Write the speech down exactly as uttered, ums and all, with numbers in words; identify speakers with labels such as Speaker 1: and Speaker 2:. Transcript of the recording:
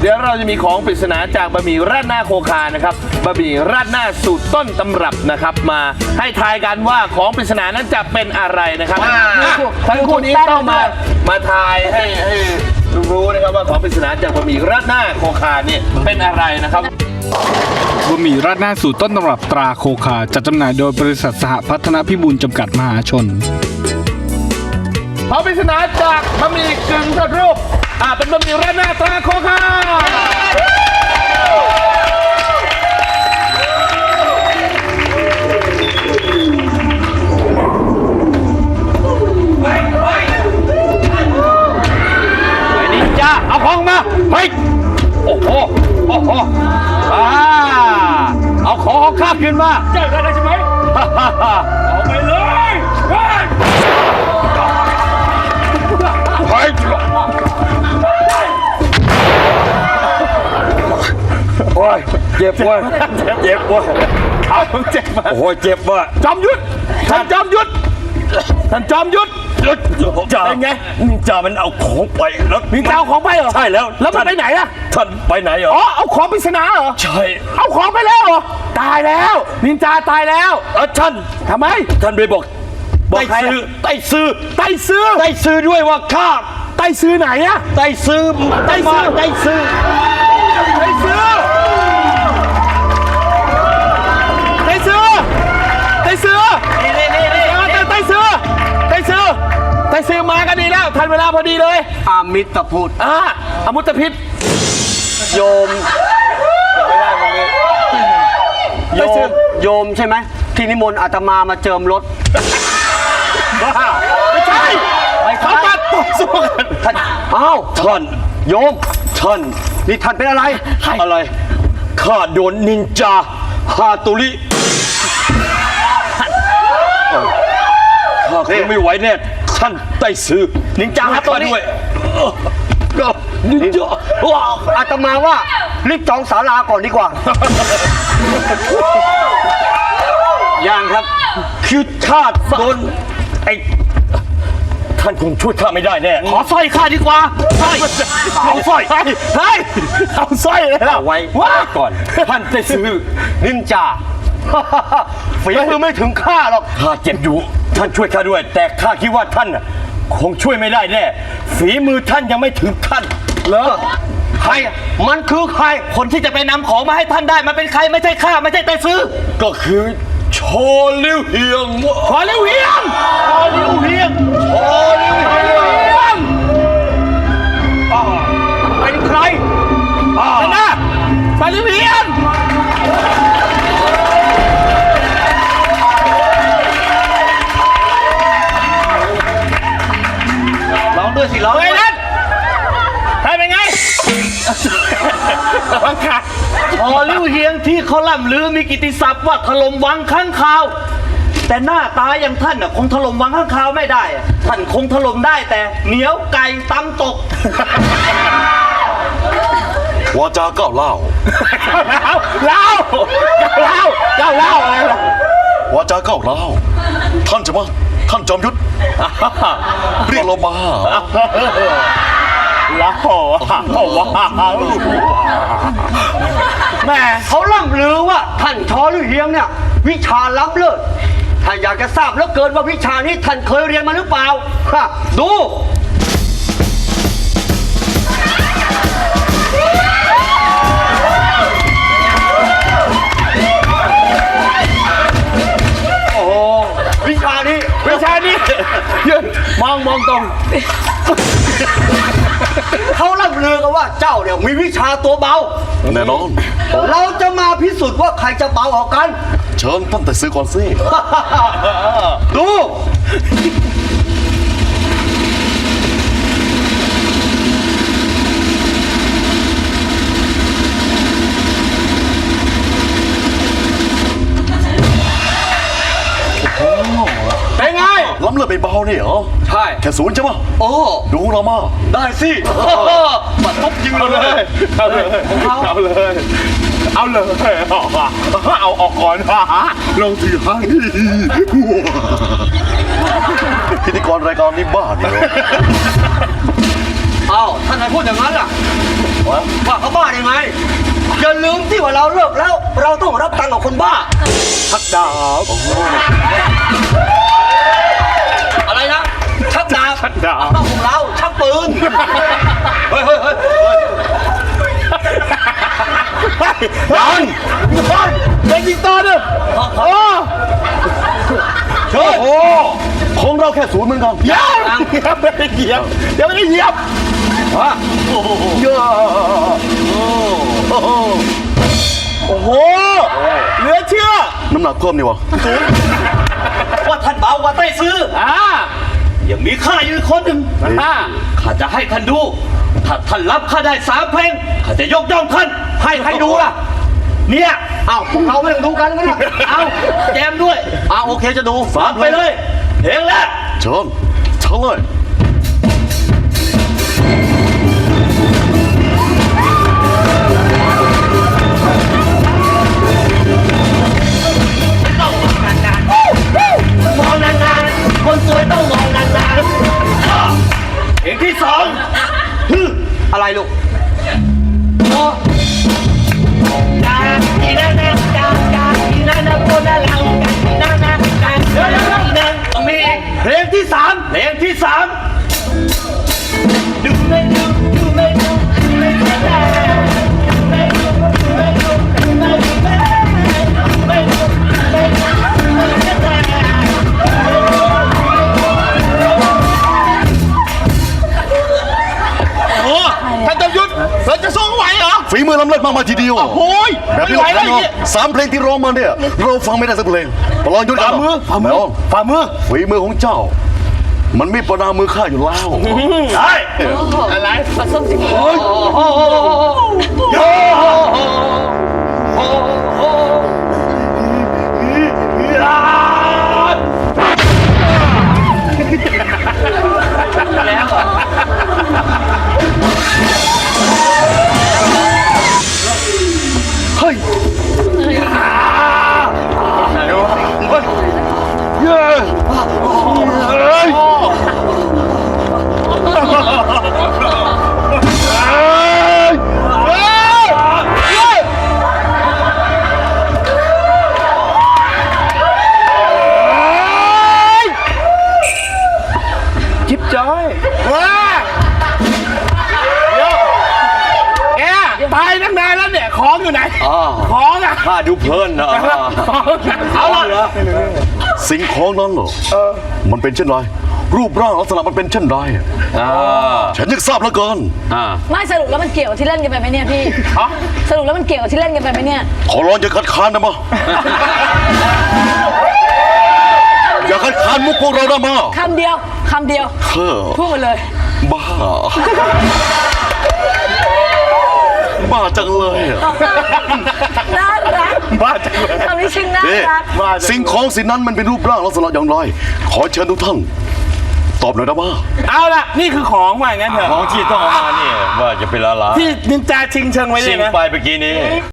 Speaker 1: เดี๋ยวเราจะมีของปริศนาจากบะหมี่ราดหน้าโคคานะครับบะหมี่ราดหน้าสูตรต้นตำรับนะครับมาให้ทายกันว่าของปริศนานั้นจะเป็นอะไรนะครับทั้งคู่นี้ต้องมามาทายให้ให้รู้นะครับว่าของปริศนาจากบะหมี่ราดหน้าโคคาเนี่ยเป็นอะไรนะครับ
Speaker 2: บะหมี่ราดหน้าสูตรต้นตำรับตราโคคาจัดจำหน่ายโดยบริษัทสหพัฒนพิบูลจำกัดมหาชน
Speaker 1: ของปริศนาจากบะหมี่กึ่งสำเร็จรูปอ่าเป็นบะหมี่ราดหน้าตราโคคาเอาของมาเฮ้ยโอ้โหโอ้โหอ่าเอาของของข้าขึ้นมาเจ้าได้ใช่ไหมเอาไปเลยเฮ้ยเฮ้ยโอ้ยเจ็บเว้ยเจ็บเว้ยเอาเจ็บมาโอ้ยเจ็บว่ะจอมยุทธท่านจอมยุทธท่านจอมยุทธจ่าเป็นไงนินจามันเอาของไปแล้วนินจาเอาของไปเหรอใช่แล้วแล้วมันไปไหนอะท่านไปไหนเหรออ๋อเอาของปริศนาเหรอใช่เอาของไปแล้วเหรอตายแล้วนินจาตายแล้วเออท่านทำไมท่านไปบอกบอกใครไต้ซื้อไต้ซื้อไต้ซื้อด้วยว่าข้าไต้ซื้อไหนอะไต้ซื้อไต้ซื้อไต้ซื้อไต้ซื้อไต้ซื้อไต้ซื้อนี่นี่นี่นี่ไต้ซื้อไต้ซื้อไต้ซื้อมากันดีแล้วทันเวลาพอดีเลย
Speaker 3: อามิตรพุทธ
Speaker 1: อ่าอมุตพิษ
Speaker 3: โยมไม่ได้ตรงนี้โยมโยมใช่ไหมที่นิมนต์อาตมามาเจิมรถ
Speaker 1: บ้าไม่ใช่เขามาต่อสู้กัน
Speaker 3: ท่านอ้าวท่านโยมท่านนี่ท่านเป็นอะไรอะไรข้าโดนนินจาฮาตุริข้าคงไม่ไหวแน่ท่านไต้ซื้อนินจาฮาตุริก็นินจาอาตมาว่ารีบจองศาลาก่อนดีกว่ายังครับคือชาติโดนไอ้ท่านคงช่วยข้าไม่ได้แน่
Speaker 1: ขอสร้อยข้าดีกว่าสร้อยเอาสร้อยเฮ้ยเอาสร้อยเลย
Speaker 3: เอาไว้ก่อนท่านไต้ซื้อนินจาฝีมือไม่ถึงข้าหรอกข้าเจ็บอยู่ท่านช่วยข้าด้วยแต่ข้าคิดว่าท่านคงช่วยไม่ได้แน่ฝีมือท่านยังไม่ถึงท่านเหรอใครมันคือใครคนที่จะไปนำของมาให้ท่านได้มันเป็นใครไม่ใช่ข้าไม่ใช่ไต้ซื้อก็คือชอลิ้วเฮียง
Speaker 1: ชอลิ้วเฮียงชอลิ้วเฮียง
Speaker 3: ชอลิ้วเฮียงเป็นใคร
Speaker 1: นั่นนะชอลิ้วเฮียง
Speaker 3: ร้องด้วยสิร้อง
Speaker 1: ไงนั่นใครเป็นไงวังขา
Speaker 3: ชอลิ้วเฮียงที่เขาล่ำลือมีกิตติศัพท์ว่าถล่มวังข้างคาวแต่หน้าตาอย่างท่านน่ะคงถล่มวังข้างคาวไม่ได้ท่านคงถล่มได้แต่เหนียวไก่ตำตก
Speaker 4: วาจาก้าวเล่า
Speaker 1: เล่าเล่าเล่าเล่าอะไรล่ะ
Speaker 4: วาจาก้าวเล่าท่านจะมาท่านจอมยุทธเรียกเรามา
Speaker 1: แล้วว้าว
Speaker 3: แม่เขาล่ำลือว่าท่านชอลิ้วเฮียงเนี่ยวิชาล้ำเลิศถ้าอยากจะทราบแล้วเกินว่าวิชานี้ท่านเคยเรียนมาหรือเปล่าดูโอ้โหวิชานี้
Speaker 1: วิชานี้ยืนมองมองตรง
Speaker 3: เขาล่ำลือกันว่าเจ้าเนี่ยมีวิชาตัวเบา
Speaker 4: แน่นอน
Speaker 3: เราจะมาพิสูจน์ว่าใครจะเบาออกกัน
Speaker 4: เชิญท่านไต้ซื้อก่อนสิ
Speaker 3: ดู
Speaker 1: เป็นไง
Speaker 4: ล้ำเลือดไปเบาเนี่ยเหรอ
Speaker 3: ใช่
Speaker 4: แค่ศูนย์ใช่ไหม
Speaker 3: โอ้
Speaker 4: ดูเรามา
Speaker 3: ได้สิปัดทุบยิงเลย
Speaker 1: เอาเลยเอาเลยเอาเลยเอาออกก่อน
Speaker 4: เราถือให้พิธีกรรายการนี้บ้าเนี่ย
Speaker 3: อ้าวท่านนายพูดอย่างนั้นล่ะว่าเขาบ้าได้ไงอย่าลืมที่ว่าเราเลิกแล้ว เราต้องรับตังค์ของคนบ้าชักดาบอะไรนะชักดาบชักดาบต้องของเราชักปืนเฮ้ยเฮ้ยเฮ้ยดันดันเด็กยิงต่อเนี่ยโอ้โหของเราแค่ศูนย์เหมือนกันยังยังไม่ได้เหยียบยังไม่ได้เหยียบฮะโอ้โหเยอะโอ้โหโอ้โหเหลือเชื่อน้ำหนักเพิ่มนี่วะว่าท่านเบากว่าไต้ซื้ออ่ายังมีข้าอยู่คนหนึ่งอ่าข้าจะให้ท่านดูถ้าท่านรับข้าได้สามเพลงข้าจะยกย่องท่านให้ใครดูล่ะเนี่ยอ้าวพวกเราไม่ต้องดูกันนะเอาแจมด้วยอ้าวโอเคจะดูฟังไปเลยเพลงแรกเชิญเชิญเลยมองนานๆคนสวยต้องมองนานๆเพลงที่สองอะไรลูกจากที่นั่นนะจากจากที่นั่นนะคนละเราจากที่นั่นนะจากที่นั่นนะมีเพลงที่สามเพลงที่สามดูไม่ดูดูไม่ดูดูไม่ดูดูไม่ดูดูไม่ดูดูไม่ดูไม่ดูไม่ดูโอ้ท่านจอมยุทธเราจะสู้ไหวเหรอฝีมือล้ำเลิศมากมาทีเดียวโอ้ยแบบนี้เราสามเพลงที่ร้องมาเนี่ยเราฟังไม่ได้สักเพลงประลองยุทธฝ่ามือฝ่ามือฝ่ามือฝีมือของเจ้ามันไม่ประนามมือข้าอยู่แล้วใช่อะไรปลาส้มจริงโอ้ยโอ้โหโอ้โหโอ้โหแล้วเฮ้ยเย้เฮ้ยจิ๊บจ้อยว้าเดี๋ยวแกตายตั้งนานแล้วเนี่ยของอยู่ไหนของอ่ะข้าดูเพลินนะเอาละสิ่งของนั้นเหรอมันเป็นเช่นไรรูปร่างลักษณะมันเป็นเช่นไรฉันอยากทราบเหลือเกิน
Speaker 5: ไม่สรุปแล้วมันเกี่ยวกับที่เล่นกันไปไหมเนี่ยพี่สรุปแล้วมันเกี่ยวกับที่เล่นกันไปไหมเนี่ย
Speaker 4: ขอร้องอย่าคัดค้านนะมาอย่าคัดค้านมุกพวกเรานะมา
Speaker 5: คำเดียวคำเดียวพูดมาเลย
Speaker 4: บ้าบ้าจังเลย
Speaker 5: น่ารักบ้าจังเลยคำนี้ชื่อน่ารัก
Speaker 4: สิ่งของสิ่งนั้นมันเป็นรูปร่างลักษณะอย่างไรขอเชิญทุกท่านตอบหน่อยนะบ้า
Speaker 2: เอาล่ะนี่คือของว่างั้นเถอะ
Speaker 3: ของที่ต้องเอามาเนี่ยว่าจะเป็นอะไร
Speaker 2: ที่นินจาชิงเชิงไว้เลยนะ
Speaker 3: ชิงไปเมื่อกี้นี้